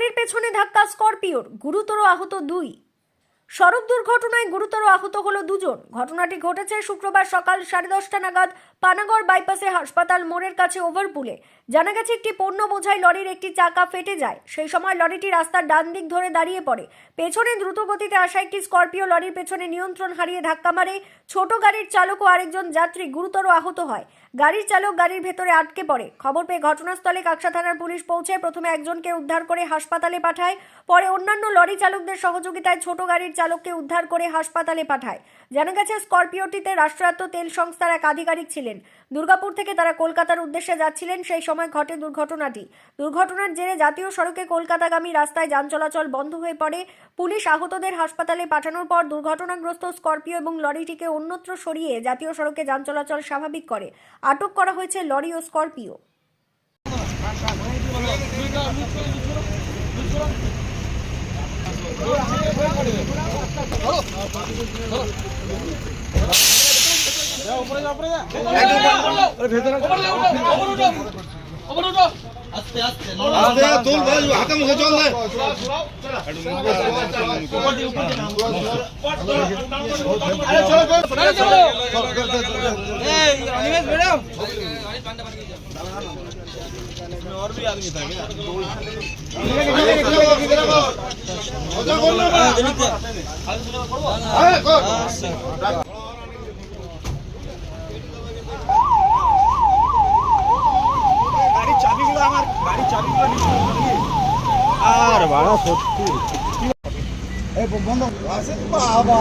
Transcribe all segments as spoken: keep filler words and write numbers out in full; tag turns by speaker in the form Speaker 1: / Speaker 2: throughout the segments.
Speaker 1: লরির পেছনে ধাক্কা স্করপিওর, গুরুতর আহত দুই। সড়ক দুর্ঘটনায় গুরুতর আহত হলো দুজন। ঘটনাটি ঘটেছে শুক্রবার সকাল সাড়ে দশটা নাগাদ পানাগড় বাইপাসে হাসপাতাল মোড়ের কাছে ওভারপুলে। জানা গেছে একটি পণ্য বোঝাই লরির একটি চাকা ফেটে যায়। সেই সময় লরিটি রাস্তার ডান দিক ধরে দাঁড়িয়ে পড়ে। পেছনে দ্রুত গতিতে আসা একটি স্করপিও লরির পেছনে নিয়ন্ত্রণ হারিয়ে ধাক্কা মারে। ছোট গাড়ির চালক ও আরেকজন যাত্রী গুরুতর আহত হয়। গাড়ির চালক গাড়ির ভেতরে আটকে পড়ে। খবর পেয়ে ঘটনাস্থলে কাকসা থানার পুলিশ পৌঁছে প্রথমে একজনকে উদ্ধার করে হাসপাতালে পাঠায়। পরে অন্যান্য লরি চালকদের সহযোগিতায় ছোট গাড়ির চালককে উদ্ধার করে হাসপাতালে পাঠায়। জানা গেছে স্করপিওটিতে রাষ্ট্রায়ত্ত তেল সংস্থার এক আধিকারিক ছিলেন। দুর্গাপুর থেকে তারা কলকাতার উদ্দেশ্যে যাচ্ছিলেন, সেই সময় ঘটে দুর্ঘটনাটি। দুর্ঘটনার জেরে জাতীয় সড়কে কলকাতাগামী রাস্তায় যান চলাচল বন্ধ হয়ে পড়ে। পুলিশ আহতদের হাসপাতালে পাঠানোর পর দুর্ঘটনাগ্রস্ত স্করপিও এবং লরিটিকে অন্যত্র সরিয়ে জাতীয় সড়কে যান চলাচল স্বাভাবিক করে। আটক করা হয়েছে লরি ও স্করপিও।
Speaker 2: আস্তে আস্তে তোল ভাই হাতে মুখে চল না আরে চলো চলো এই অনিমেষ ম্যাডাম और भी आदमी था क्या मजा करना ना अरे कर গাড়ি চাবিগুলো আমার গাড়ি চাবিগুলো নিয়ে আর বাড়া সত্যি এই বন্ধ আছে বাবা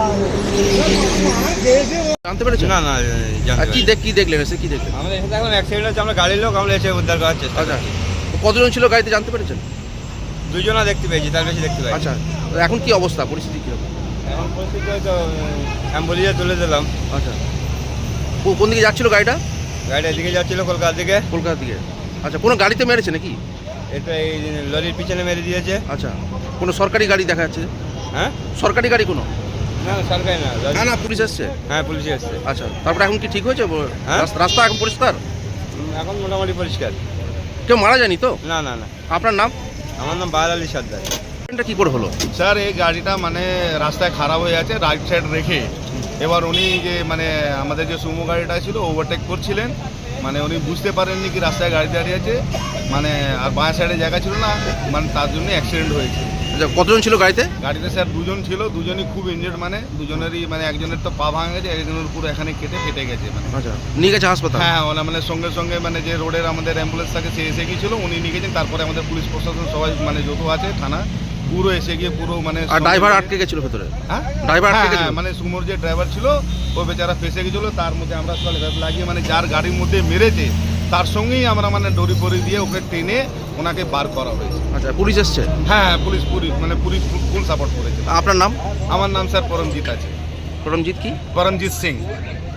Speaker 3: জানতে পেরেছেন?
Speaker 4: না না
Speaker 3: আর কি দেখ কি দেখলেন এসে কি দেখলেন?
Speaker 4: আমাদের এখানে এখন অ্যাক্সিডেন্ট হচ্ছে, আমরা গাড়ির লোক আমরা এসে উদ্ধার করার চেষ্টা
Speaker 3: আচ্ছা,
Speaker 4: করছি।
Speaker 3: কতজন ছিল গাড়িতে জানতে পেরেছেন?
Speaker 4: দুজনা দেখতে পেয়েছি, তার বেশি দেখতে পাই।
Speaker 3: আচ্ছা, তো এখন কি অবস্থা, পরিস্থিতি কিরকম?
Speaker 4: এখন পরিস্থিতি হয়তো অ্যাম্বুলেন্সে তুলে দিলাম।
Speaker 3: আচ্ছা, কো- কোন দিকে যাচ্ছিল গাড়িটা?
Speaker 4: গাড়িটা এদিকে যাচ্ছিল কলকাতার দিকে।
Speaker 3: কলকাতার দিকে। আচ্ছা, কোনো গাড়িতে মেরেছে নাকি?
Speaker 4: এটা এই লরির পিছনে মেরে দিয়েছে।
Speaker 3: আচ্ছা, কোনো সরকারি গাড়ি দেখা যাচ্ছে?
Speaker 4: হ্যাঁ,
Speaker 3: সরকারি গাড়ি কোনো?
Speaker 4: না না সরকারি না।
Speaker 3: না না, পুলিশ এসছে?
Speaker 4: হ্যাঁ পুলিশ এসছে।
Speaker 3: আচ্ছা, তারপরে এখন কি ঠিক হয়েছে?
Speaker 4: হ্যাঁ?
Speaker 3: রাস্তা- রাস্তা এখন পরিষ্কার?
Speaker 4: এখন মোটামুটি পরিষ্কার।
Speaker 3: কেউ মারা যায়নি তো?
Speaker 4: না না না।
Speaker 3: আপনার নাম?
Speaker 4: আমার নাম বাহার আলী সর্দার।
Speaker 3: এটা কি করে হলো?
Speaker 2: স্যার এই গাড়িটা মানে রাস্তায় খারাপ হয়ে আছে, রাইট সাইড রেখে এবার উনি যে মানে আমাদের যে সুমো গাড়িটা ছিল ওভারটেক করছিলেন, মানে উনি বুঝতে পারেননি কি রাস্তায় গাড়ি দাঁড়িয়ে আছে, মানে আর বাঁ সাইডে জায়গা ছিল না, মানে তার জন্য অ্যাক্সিডেন্ট হয়েছে।
Speaker 3: আচ্ছা, কতজন ছিল গাড়িতে?
Speaker 2: গাড়িতে স্যার দুজন ছিল, দুজনই খুব ইনজেড, মানে দুজনেরই মানে একজনের তো পা ভাঙা গেছে, একজনের পুরো এখানে কেটে কেটে গেছে মানে।
Speaker 3: আচ্ছা, নিয়ে গেছে হাসপাতাল?
Speaker 2: হ্যাঁ ওরা মানে সঙ্গে সঙ্গে মানে যে রোডের আমাদের অ্যাম্বুলেন্স থাকে সে এসে গিয়েছিল, উনি নিয়ে গেছেন। তারপরে আমাদের পুলিশ প্রশাসন সবাই মানে যত আছে থানা পুরো এসে গিয়ে পুরো মানে।
Speaker 3: আর ড্রাইভার আটকে গেছিল ভেতরে?
Speaker 2: হ্যাঁ
Speaker 3: ড্রাইভার আটকে
Speaker 2: হ্যাঁ,
Speaker 3: গেছিল?
Speaker 2: মানে সুমোর যে ড্রাইভার ছিল ও বেচারা ফেসে গেছিল, তার মধ্যে আমরা সবাই ভ্যাপ লাগিয়ে মানে যার গাড়ির মধ্যে মেরেছে তার সঙ্গেই আমরা মানে ডরি পরি দিয়ে ওকে টেনে ওনাকে বার করা হয়েছে।
Speaker 3: আচ্ছা, পুলিশ এসছে?
Speaker 2: হ্যাঁ হ্যাঁ, পুলিশ পুলিশ মানে পুলিশ ফুল সাপোর্ট করেছে।
Speaker 3: আপনার নাম?
Speaker 2: আমার নাম স্যার পরমজিৎ আছে,
Speaker 3: পরমজিৎ কি?
Speaker 2: পরমজিৎ সিং।